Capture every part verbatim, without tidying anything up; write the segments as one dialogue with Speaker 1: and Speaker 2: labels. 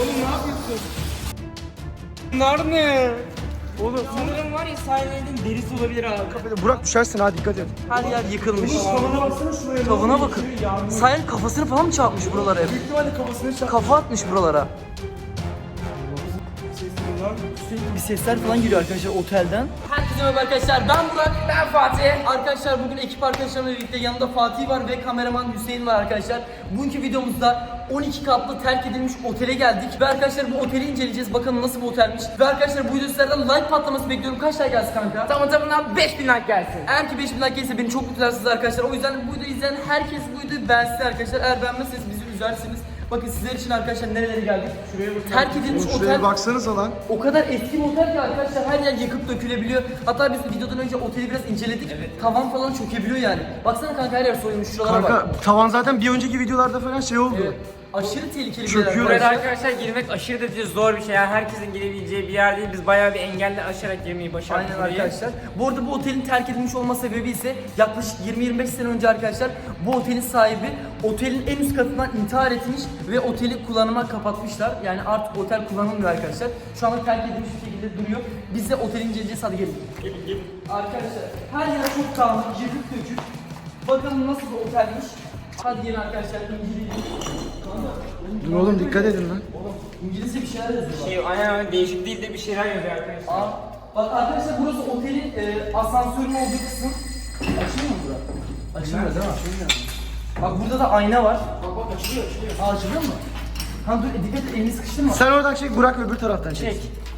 Speaker 1: Oğlum ne yapıyorsun? Bunlar ne? Oğlum
Speaker 2: Sanırım var ya sahillerin derisi olabilir abi.
Speaker 3: Burak düşersin ha, dikkat et.
Speaker 4: Her yer yıkılmış.
Speaker 3: Tavana baksana şuraya.
Speaker 4: Tavana bakın. Sahil kafasını falan mı çarpmış buralara hep?
Speaker 3: Büyük ihtimalle kafasını çarptı.
Speaker 4: Kafa atmış buralara.
Speaker 2: Sürekli bir sesler falan geliyor arkadaşlar otelden.
Speaker 4: Herkese merhaba arkadaşlar, ben Burak, ben Fatih. Arkadaşlar bugün ekip arkadaşlarımla birlikte yanımda Fatih var ve kameraman Hüseyin var arkadaşlar. Bugünkü videomuzda on iki katlı terk edilmiş otele geldik. Ve arkadaşlar bu oteli inceleyeceğiz, bakalım nasıl bir otelmiş. Ve arkadaşlar bu videoda sizlerden like patlaması bekliyorum. Kaç like gelsin kanka?
Speaker 1: tamam tamam beş bin like gelsin.
Speaker 4: Eğer ki beş bin like gelirse beni çok mutlu edersiniz arkadaşlar. O yüzden bu videoyu izleyen herkes bu videoyu beğensin arkadaşlar. Eğer beğenmezseniz bizi üzersiniz. Bakın sizler için arkadaşlar nerelere geldik. Şuraya bakın. Terk edilmiş
Speaker 3: Şuraya
Speaker 4: otel.
Speaker 3: baksanıza lan.
Speaker 4: O kadar eski bir otel ki arkadaşlar, her yer yakıp dökülebiliyor. Hatta biz videodan önce oteli biraz inceledik. Evet. Tavan falan çökebiliyor yani. Baksana kanka, her yer soyulmuş, şuralara bak.
Speaker 3: Kanka tavan zaten bir önceki videolarda falan şey oldu.
Speaker 4: Evet. Aşırı tehlikeli bir
Speaker 3: Çöküyor.
Speaker 4: yer
Speaker 1: Buraya
Speaker 4: arkadaşlar.
Speaker 1: arkadaşlar girmek aşırı derece zor bir şey. Yani herkesin girebileceği bir yer değil. Biz bayağı bir engelle aşarak girmeyi başardık.
Speaker 4: Aynen
Speaker 1: burayı.
Speaker 4: arkadaşlar. Bu arada bu otelin terk edilmiş olma sebebi ise yaklaşık yirmi yirmi beş sene önce arkadaşlar bu otelin sahibi otelin en üst katından intihar etmiş ve oteli kullanıma kapatmışlar. Yani artık otel kullanılmıyor arkadaşlar. Şu anda terk edilmiş bir şekilde duruyor. Biz de oteli inceleyeceğiz, hadi gelin.
Speaker 1: Gelin gelin.
Speaker 4: Arkadaşlar her yer çok dağınık, yıkık dökük. Bakalım nasıl bir otelmiş. Hadi gelin arkadaşlar inceleyelim.
Speaker 3: Dur oğlum, dikkat edin lan.
Speaker 4: Oğlum İngilizce bir şeyler yazıyor.
Speaker 1: Şey, aynen değişik değil de bir şeyler yazıyor arkadaşlar.
Speaker 4: Aa, bak arkadaşlar burası otelin e, asansörün olduğu kısım. Açılıyor mu bura? Açılmıyor değil mi? Açılmıyor. Bak burada da ayna var.
Speaker 1: Bak bak açılıyor açılıyor.
Speaker 4: Aa, açılıyor mu? Ha dur, dikkat et, elini sıkıştırma.
Speaker 3: Sen oradan çek, Burak öbür taraftan çek.
Speaker 4: Çek.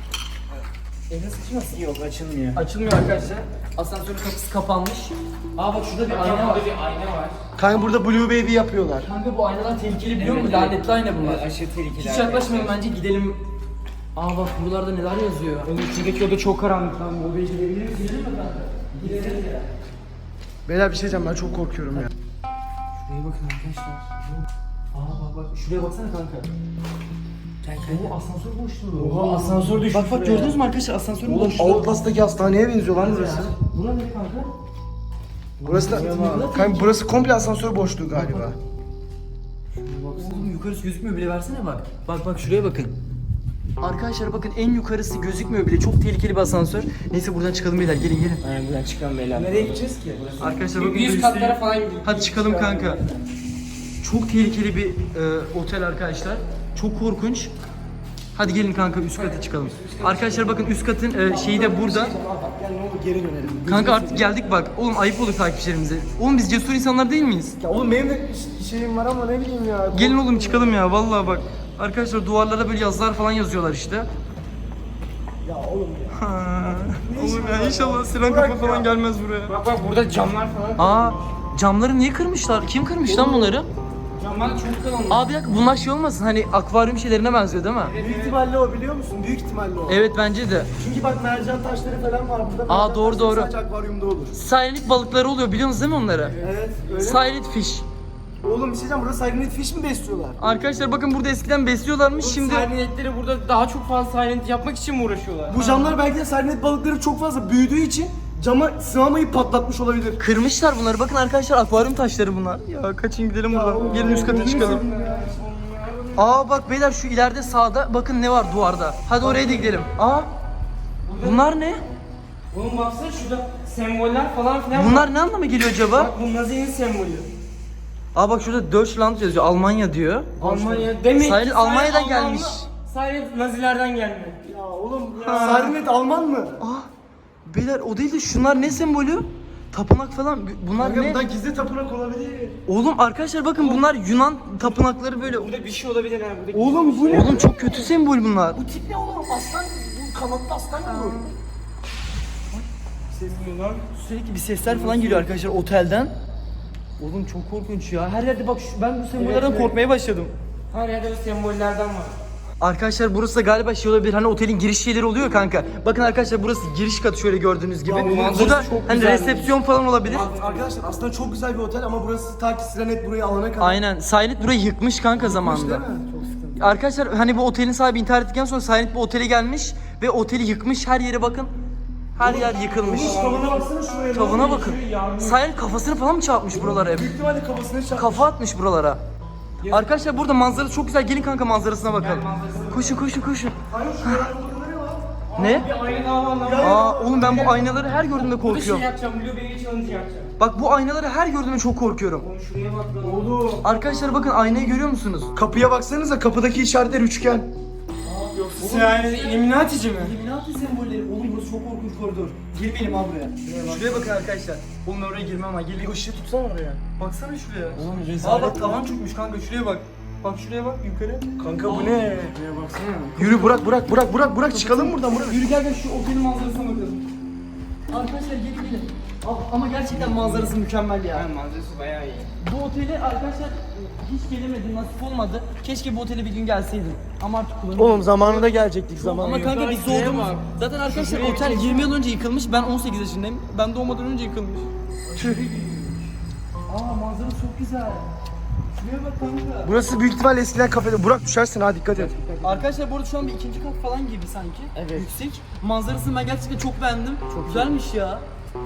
Speaker 4: Elini sıkışmasın.
Speaker 1: Yok açılmıyor.
Speaker 4: Açılmıyor arkadaşlar. Asansörün kapısı kapanmış. Aa bak şurada bir ayna var.
Speaker 1: Burada bir ayna var.
Speaker 3: Kanka burada Blue Baby yapıyorlar.
Speaker 4: Kanka bu aynalar tehlikeli biliyor
Speaker 1: Evet,
Speaker 4: musun?
Speaker 1: evet.
Speaker 4: Lanetli ayna bunlar.
Speaker 1: Evet, aşırı tehlikeli.
Speaker 4: Hiç yaklaşmayın bence, gidelim. Aa bak buralarda neler yazıyor.
Speaker 1: Oğlum içindeki oda çok karanlık lan. Bu beyi girebilir misin?
Speaker 4: Gidelim mi kanka? Gidelim ya.
Speaker 3: Beyler bir şey diyeceğim, ben çok korkuyorum ya.
Speaker 4: Şuraya bakın arkadaşlar. Aa bak bak şuraya baksana kanka. Oo, asansör boşluğu.
Speaker 1: Oha asansör düşmüş.
Speaker 4: Bak bak gördünüz mü arkadaşlar, asansörün
Speaker 3: Oğlum
Speaker 4: boşluğu.
Speaker 3: Outlast'taki hastaneye benziyor lan burası.
Speaker 4: Bura ne kanka?
Speaker 3: Burası da, kanka burası komple asansör boşluğu galiba.
Speaker 4: Oğlum yukarısı gözükmüyor bile, versene bak. Bak bak şuraya bakın. Arkadaşlar bakın, en yukarısı gözükmüyor bile. Çok tehlikeli bir asansör. Neyse buradan çıkalım beyler, gelin gelin.
Speaker 1: Aynen buradan çıkalım beyler.
Speaker 3: Nereye gideceğiz ki?
Speaker 4: Arkadaşlar bakın.
Speaker 1: yüz
Speaker 4: böyle
Speaker 1: katlara
Speaker 4: üstelik-
Speaker 1: falan gidiyor.
Speaker 4: Hadi çıkalım kanka. Çok tehlikeli bir e, otel arkadaşlar. Çok korkunç. Hadi gelin kanka üst kata çıkalım. Arkadaşlar bakın üst katın e, şeyi de burada.
Speaker 3: Gel ne olur geri dönelim.
Speaker 4: Kanka artık geldik bak. Oğlum ayıp olur takipçilerimize. Oğlum biz cesur insanlar değil miyiz?
Speaker 3: Ya oğlum benim de şeyim var ama ne bileyim ya.
Speaker 4: Gelin oğlum çıkalım ya, vallahi bak. Arkadaşlar duvarlara böyle yazılar falan yazıyorlar işte.
Speaker 3: Ya oğlum ya.
Speaker 4: Ha, oğlum ya inşallah Sinan Kafa falan gelmez buraya.
Speaker 1: Bak bak burada camlar falan.
Speaker 4: Aa, camları niye kırmışlar? Kim kırmış lan bunları?
Speaker 1: Camlar çok kalın.
Speaker 4: Aa bir dakika, bunlar şey olmasın, hani akvaryum şeylerine benziyor değil mi?
Speaker 3: Büyük ihtimalle o, biliyor musun? Büyük ihtimalle o.
Speaker 4: Evet bence de.
Speaker 3: Çünkü bak mercan taşları falan var burada.
Speaker 4: Aa,
Speaker 3: Mercan
Speaker 4: doğru,
Speaker 3: taşları
Speaker 4: doğru.
Speaker 3: Sadece akvaryumda olur.
Speaker 4: Silent balıkları oluyor, biliyor musunuz değil mi onları?
Speaker 3: Evet öyle.
Speaker 4: Silent fish.
Speaker 3: Oğlum bir şey diyeceğim, burada Silent Fish mi besliyorlar?
Speaker 4: Arkadaşlar bakın burada eskiden besliyorlarmış, şimdi...
Speaker 1: Silentleri burada daha çok fazla silent yapmak için mi uğraşıyorlar?
Speaker 3: Bu camlar belki de Silent balıkları çok fazla büyüdüğü için cama sığamayı patlatmış olabilir.
Speaker 4: Kırmışlar bunları. Bakın arkadaşlar, akvaryum taşları bunlar. Ya kaçın gidelim buradan. Gelin üst kata çıkalım. Aa bak beyler, şu ileride sağda bakın ne var duvarda. Hadi oraya da gidelim. Aa, bunlar ne?
Speaker 1: Oğlum baksana şurada semboller falan filan var.
Speaker 4: Bunlar ne anlama geliyor acaba?
Speaker 1: Bak bu Nazi'nin sembolü.
Speaker 4: Aa bak şurada Deutschland yazıyor. Almanya diyor.
Speaker 1: Almanya demek
Speaker 4: Silent
Speaker 1: ki
Speaker 4: Almanya'dan
Speaker 1: Silent
Speaker 4: gelmiş.
Speaker 1: Alman- Silent Nazilerden gelme.
Speaker 3: Ya oğlum ya. Silent Alman mı?
Speaker 4: Aa beyler, o değil de şunlar ne sembolü? Tapınak falan. Bunlar
Speaker 3: Kanka
Speaker 4: ne?
Speaker 3: bundan gizli tapınak olabilir.
Speaker 4: Oğlum arkadaşlar bakın, bunlar Yunan tapınakları böyle.
Speaker 1: Burada bir şey olabilir ha. Burada
Speaker 3: Oğlum bu ne?
Speaker 4: Oğlum çok kötü sembol bunlar.
Speaker 3: Bu tip ne oğlum? Aslan, bu kanatlı aslan mı olur?
Speaker 1: ses duyuyor lan.
Speaker 4: Sürekli bir sesler falan geliyor arkadaşlar otelden. Oğlum çok korkunç ya. Her yerde bak şu, ben bu sembollerden
Speaker 1: Evet, evet.
Speaker 4: korkmaya başladım.
Speaker 1: Her yerde bu sembollerden var.
Speaker 4: Arkadaşlar burası da galiba şey olabilir, hani otelin giriş şeyleri oluyor kanka. Bakın arkadaşlar burası giriş katı, şöyle gördüğünüz gibi.
Speaker 3: Ya bu
Speaker 4: Bu
Speaker 3: manzarası
Speaker 4: da
Speaker 3: çok
Speaker 4: hani
Speaker 3: güzelmiş.
Speaker 4: resepsiyon falan olabilir.
Speaker 3: Arkadaşlar aslında çok güzel bir otel ama burası ta ki Sirenet burayı alana kadar.
Speaker 4: Aynen. Silent burayı yıkmış kanka zamanında.
Speaker 3: Değil mi? Çok sıkıntı.
Speaker 4: Arkadaşlar hani bu otelin sahibi intihar ettikten sonra Silent bu otele gelmiş ve oteli yıkmış, her yere bakın. Her yer yıkılmış.
Speaker 3: Tavana baksana şuraya.
Speaker 4: Tavana bakın. Silent kafasını falan mı çarpmış buralara hep?
Speaker 3: Büyük ihtimalle kafasını çarptı.
Speaker 4: Kafa atmış buralara. Arkadaşlar burada manzarası çok güzel. Gelin kanka manzarasına bakalım. Koşun koşun koşun.
Speaker 3: Hayır şuradan fotoğrafı ne var?
Speaker 4: Ne?
Speaker 1: Bir ayna daha var lan.
Speaker 4: Aa oğlum ben bu aynaları her gördüğümde
Speaker 1: Bir şey
Speaker 4: korkuyorum.
Speaker 1: yapacağım. Blueberry challenge yapacağım.
Speaker 4: Bak bu aynaları her gördüğümde çok korkuyorum.
Speaker 1: Oğlum şuraya bak lan.
Speaker 3: Oğlum.
Speaker 4: Arkadaşlar bakın aynayı görüyor musunuz?
Speaker 3: Kapıya baksanıza, kapıdaki işaretler üçgen.
Speaker 1: Sen yani Illuminati'ci mi?
Speaker 2: Illuminati sembolleri. Oğlum burası çok korkunç koridor. Girmeyelim abi buraya.
Speaker 4: Şuraya bakın arkadaşlar.
Speaker 2: Oğlum ben oraya girmem ama. Gel bir ışığı tutsana oraya.
Speaker 4: Baksana şuraya.
Speaker 2: Oğlum
Speaker 4: Aa
Speaker 2: rezalet.
Speaker 4: bak tavan çökmüş kanka şuraya bak. Bak şuraya bak yukarı.
Speaker 3: Kanka bu ne?
Speaker 1: Şuraya baksana.
Speaker 3: Yürü Burak, Burak, Burak, Burak, Burak çıkalım buradan Burak.
Speaker 4: Yürü gel gel şu otelin manzarasına bakalım. Arkadaşlar gelin gelin. Aa, Ama gerçekten manzarası mükemmel ya.
Speaker 1: Yani manzarası bayağı iyi.
Speaker 4: Bu otele arkadaşlar hiç gelemedim, nasip olmadı. Keşke bu otele bir gün gelseydim. Ama artık kullanıyorum.
Speaker 3: Oğlum zamanında gelecektik zaman.
Speaker 4: Ama kanka biz
Speaker 1: Yukarı
Speaker 4: doğduğumuz...
Speaker 1: bak.
Speaker 4: Zaten arkadaşlar
Speaker 1: Şuraya
Speaker 4: otel
Speaker 1: bir-
Speaker 4: yirmi yıl önce yıkılmış. Ben on sekiz yaşındayım. Ben doğmadan önce yıkılmış. Aa manzara çok güzel. Şuraya bak kanka.
Speaker 3: Burası büyük ihtimal eskiden kafede. Burak düşersin ha, dikkat et.
Speaker 4: Arkadaşlar bu arada şu an bir ikinci kat falan gibi sanki.
Speaker 1: Evet.
Speaker 4: Yüksek. Manzarasını ben gerçekten çok beğendim. Çok güzelmiş ya.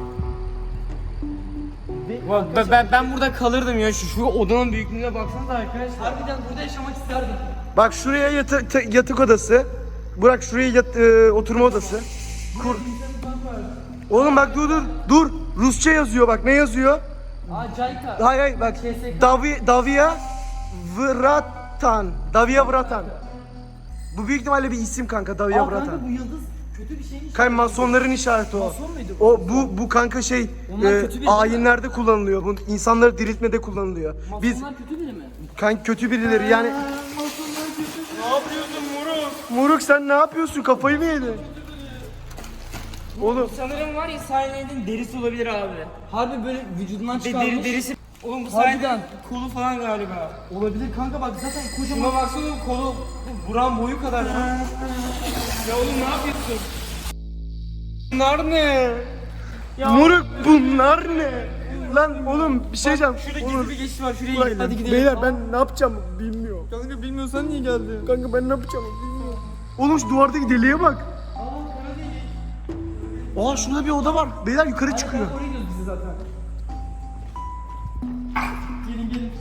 Speaker 4: Ve
Speaker 1: Bak ben, ben, ben burada kalırdım ya. Şu, şu odanın büyüklüğüne baksanıza arkadaşlar.
Speaker 4: harbiden burada yaşamak isterdim.
Speaker 3: Bak şuraya yata- ta- yatak odası. Burak şuraya yat- e, oturma odası. Kur. Oğlum bak dur dur dur. Rusça yazıyor bak, ne yazıyor?
Speaker 4: Aa Cayka.
Speaker 3: Hayır hayır bak.
Speaker 4: K S K.
Speaker 3: Davi, Davia Vratan. Davia Vratan. Bu büyük ihtimalle bir isim kanka, Davia
Speaker 4: Aa kanka
Speaker 3: Vratan.
Speaker 4: bu yıldız kötü bir şeymiş.
Speaker 3: Kanka masonların işareti o.
Speaker 4: Mason muydu?
Speaker 3: O bu bu kanka şey
Speaker 4: Onlar
Speaker 3: e,
Speaker 4: kötü biri değil mi?
Speaker 3: ayinlerde kullanılıyor. Bu insanları diriltmede kullanılıyor. Biz
Speaker 4: Masonlar kötü biri mi?
Speaker 3: kanka kötü birileri yani.
Speaker 1: Ne yapıyorsun Muruk?
Speaker 3: Moruk sen ne yapıyorsun? Kafayı mı yedin? Oğlum
Speaker 1: Sanırım var ya Silent'in derisi olabilir abi.
Speaker 4: Harbi böyle vücudundan
Speaker 1: De,
Speaker 4: çıkarmış.
Speaker 1: deri, derisi. Oğlum bu
Speaker 4: Harbiden.
Speaker 1: Silent'in kolu falan galiba.
Speaker 4: Olabilir kanka bak zaten kocaman.
Speaker 1: Şuna baksana kolu buran boyu kadar lan. Ya oğlum ne yapıyorsun? Bunlar ne? Ya
Speaker 3: moruk bunlar ne? Lan oğlum bir şey diyeceğim.
Speaker 1: şurada
Speaker 3: Oğlum,
Speaker 1: gizli bir geçiş var şuraya
Speaker 3: bak,
Speaker 1: gidelim.
Speaker 4: hadi gidelim.
Speaker 3: Beyler ben ne yapacağım bilmiyorum.
Speaker 4: Kanka bilmiyorsan niye geldin?
Speaker 3: Kanka ben ne yapacağım bilmiyorum. Oğlum şu duvardaki deliğe bak. Aa şurada bir oda var. Beyler yukarı çıkıyor.
Speaker 4: Oraya gidiyoruz bizi zaten. Gelin gelin.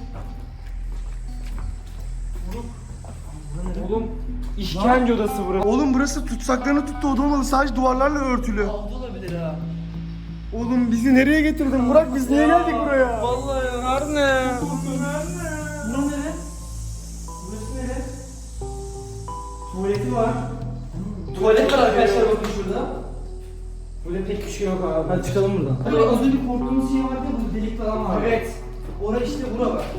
Speaker 1: Oğlum işkence odası burası.
Speaker 3: Oğlum burası tutsaklarını tuttu oda olmalı. Sadece duvarlarla örtülü.
Speaker 4: Aldı olabilir ha.
Speaker 3: Oğlum bizi nereye getirdin Burak? Biz niye geldik buraya?
Speaker 1: Vallahi bunlar ne?
Speaker 4: Bura nere?
Speaker 1: Burası nere? Tuvaleti var.
Speaker 4: Tuvalet var arkadaşlar bakın şurada.
Speaker 1: Burada pek bir şey yok abi.
Speaker 4: Hadi çıkalım buradan. Böyle az önce korktuğumuz şey vardı ya bu delik falan var.
Speaker 1: Evet.
Speaker 4: Ora işte bura bak.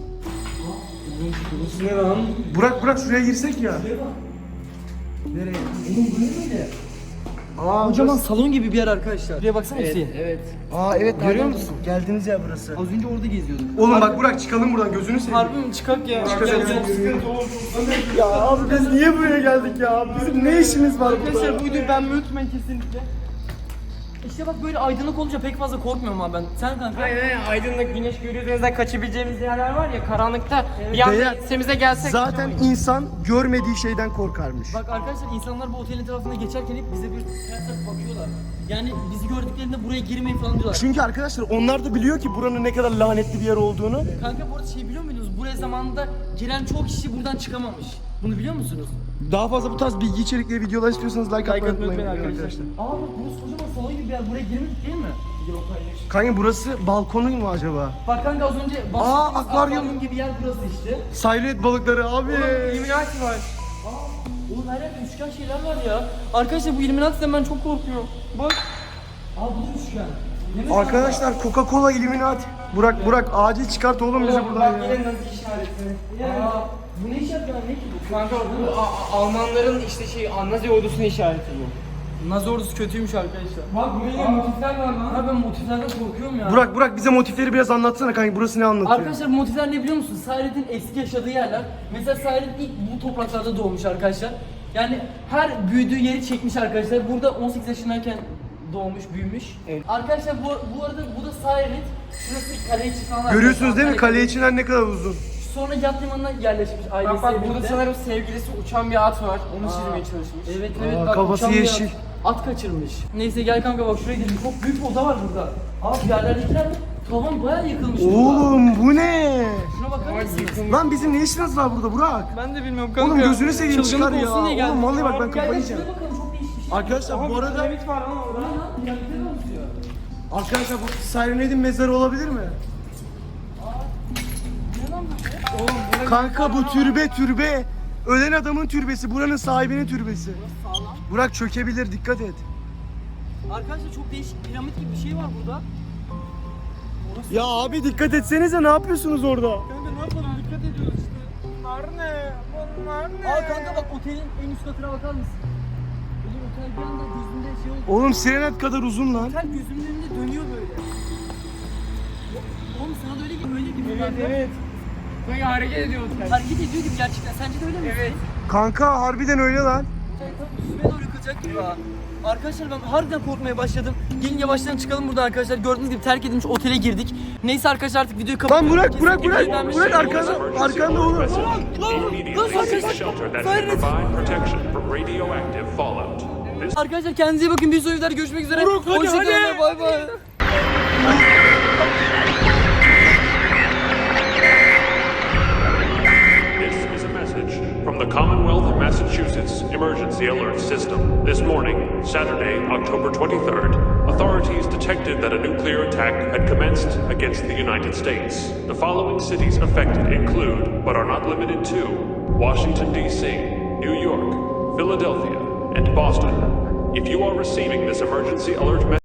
Speaker 1: Burası ne lan?
Speaker 3: Burak Burak şuraya girsek ya.
Speaker 4: Şuraya bak.
Speaker 3: Nereye?
Speaker 4: Oğlum bu ne böyle?
Speaker 3: Aa
Speaker 4: Kocaman salon gibi bir yer arkadaşlar. Şuraya baksana Hüseyin.
Speaker 1: Evet.
Speaker 3: Aa evet
Speaker 4: Görüyor musun?
Speaker 3: Geldiniz ya burası.
Speaker 4: Az önce orada geziyorduk.
Speaker 3: Oğlum bak Burak çıkalım buradan, gözünü seveyim.
Speaker 4: Harbi mi çıkak ya?
Speaker 3: Çıkacağız. Ya abi biz niye buraya geldik ya? Bizim ne işimiz var burada?
Speaker 4: Arkadaşlar buydu ben mi unutmayın kesinlikle. İşte bak böyle aydınlık olunca pek fazla korkmuyorum abi ben. Sen kanka?
Speaker 1: Aynen aynen. Aydınlık güneş görüyoruz kaçabileceğimiz yerler var ya karanlıkta bir anda
Speaker 3: Beyler,
Speaker 1: ensemize gelsek.
Speaker 3: Zaten
Speaker 1: kaçamayız.
Speaker 3: insan görmediği şeyden korkarmış.
Speaker 4: Bak arkadaşlar insanlar bu otelin etrafında geçerken hep bize bir ters ters bakıyorlar. Yani bizi gördüklerinde buraya girmeyin falan diyorlar.
Speaker 3: Çünkü arkadaşlar onlar da biliyor ki buranın ne kadar lanetli bir yer olduğunu.
Speaker 4: Kanka bu arada şey biliyor muydunuz? Buraya zamanında giren çok kişi buradan çıkamamış. Bunu biliyor musunuz?
Speaker 3: Daha fazla bu tarz bilgi içerikli videolar istiyorsanız like,
Speaker 4: Like
Speaker 3: atmayı
Speaker 4: atmayı
Speaker 3: unutmayın
Speaker 4: unutmayın
Speaker 3: arkadaşlar.
Speaker 4: Aa bak burası kocaman salon gibi bir yer. Buraya girmedik değil mi?
Speaker 3: Kanka burası balkonu mu acaba?
Speaker 4: Bak kanka az önce
Speaker 3: Aa,
Speaker 4: bahsettiğimiz
Speaker 3: akvaryum.
Speaker 4: akvaryum gibi yer burası işte.
Speaker 3: Silent balıkları abi.
Speaker 1: Illuminati var.
Speaker 4: Oğlum her yerde üçgen şeyler var ya. Arkadaşlar bu Illuminati'den ben çok korkuyorum. Bak. Aa bu da üçgen. Ne mesela?
Speaker 3: Arkadaşlar Coca-Cola Illuminati. Burak Burak acil çıkart oğlum bizi
Speaker 1: Oğlum
Speaker 3: buradan
Speaker 1: bak
Speaker 3: ya.
Speaker 1: yine nazi işareti.
Speaker 4: Aa, bu ne işaret ya? Ne ki bu?
Speaker 1: Kanka bu A- A- Almanların işte şey Nazi ordusunun işareti bu.
Speaker 4: Nazi ordusu kötüymüş arkadaşlar.
Speaker 1: Bak burada motifler var lan.
Speaker 4: Abi ben motiflerden korkuyorum ya.
Speaker 3: Burak Burak bize motifleri biraz anlatsana kanka, burası ne anlatıyor?
Speaker 4: Arkadaşlar bu motifler ne biliyor musunuz? Silent'in eski yaşadığı yerler. Mesela Silent ilk bu topraklarda doğmuş arkadaşlar. Yani her büyüdüğü yeri çekmiş arkadaşlar. Burada on sekiz yaşındayken doğmuş, büyümüş.
Speaker 1: Evet.
Speaker 4: Arkadaşlar bu, bu arada bu da Silent. Şurası kale içi falan.
Speaker 3: Görüyorsunuz değil mi?
Speaker 4: Kale-
Speaker 3: Kale içinden ne kadar uzun.
Speaker 4: Sonra yat limanına yerleşmiş ailesiyle
Speaker 1: Bak bak burada
Speaker 4: birlikte.
Speaker 1: sanırım sevgilisi uçan bir at var. Onu çizmeye çalışmış.
Speaker 4: Evet evet
Speaker 3: Aa,
Speaker 4: bak
Speaker 3: kafası
Speaker 4: uçan bir
Speaker 3: yeşil.
Speaker 4: At, at kaçırmış. Neyse gel kanka bak şuraya gidelim. Çok büyük bir oda var burada. Aa bu yerlerdekiler mi? Tavan bayağı yıkılmış.
Speaker 3: Oğlum bu ne?
Speaker 4: Şuna bakar mısın?
Speaker 3: Lan bizim ne işimiz var burada Burak?
Speaker 1: Ben de bilmiyorum kanka.
Speaker 3: Oğlum gözünü seveyim
Speaker 4: Çılgınlık
Speaker 3: çıkar ya.
Speaker 4: olsun diye geldim.
Speaker 3: Oğlum vallahi bak ben
Speaker 4: Gel,
Speaker 3: kafayı
Speaker 4: gel,
Speaker 3: yiyeceğim.
Speaker 4: şuraya bakalım, çok değişik bir şey.
Speaker 3: Arkadaşlar
Speaker 1: Aha,
Speaker 3: bu
Speaker 1: bir
Speaker 3: arada
Speaker 1: piramit var lan orada.
Speaker 3: arkadaşlar bu Siren Head'in mezarı olabilir mi?
Speaker 1: Oğlum burada
Speaker 3: Kanka bu türbe türbe. Ölen adamın türbesi. Buranın sahibinin türbesi.
Speaker 4: Sağlam.
Speaker 3: Burak çökebilir dikkat et.
Speaker 4: Arkadaşlar çok değişik piramit gibi bir şey var burada.
Speaker 3: Ya abi dikkat etsenize ne yapıyorsunuz orada?
Speaker 1: kanka ne yapalım dikkat ediyoruz işte. Bunlar ne? Bunlar ne?
Speaker 4: Aa kanka bak otelin en üst katına bakar mısın? Oğlum otel bir anda gözümde şey oldu.
Speaker 3: Oğlum Sirenet kadar uzun lan.
Speaker 4: Otel gözümün önünde dönüyor böyle. Oğlum sana da öyle gibi öyle gibi.
Speaker 1: Evet
Speaker 4: kanka.
Speaker 1: evet. Kanka hareket ediyor otel.
Speaker 4: Hareket ediyor gibi gerçekten. Sence de öyle mi?
Speaker 1: Evet.
Speaker 3: Kanka harbiden öyle lan.
Speaker 4: Otel tam üstüme doğru yıkılacak gibi ha. Arkadaşlar ben harbiden korkmaya başladım. Gelin yavaştan çıkalım buradan arkadaşlar. Gördüğünüz gibi terk edilmiş otele girdik. Neyse arkadaşlar artık videoyu kapatıyorum.
Speaker 3: Lan Burak
Speaker 4: Kesin
Speaker 3: Burak Burak
Speaker 4: videoyu beğenmiş-
Speaker 3: Burak arkanda arkanda oğlum.
Speaker 4: Lan arkadaşlar.
Speaker 5: shelter that
Speaker 4: Siren
Speaker 5: can
Speaker 4: Head.
Speaker 5: provide protection from radioactive fallout. This
Speaker 4: Arkadaşlar kendinize iyi bakın. Bir sonraki videoda görüşmek üzere.
Speaker 1: Burak, hadi,
Speaker 4: Hoşçakalın.
Speaker 1: hadi.
Speaker 4: Bay bay.
Speaker 5: This is a message from the Commonwealth of Massachusetts Emergency Alert System. This morning, Saturday, October twenty-third, authorities detected that a nuclear attack had commenced against the United States. The following cities affected include, but are not limited to, Washington, D C, New York, Philadelphia, and Boston. If you are receiving this emergency alert message,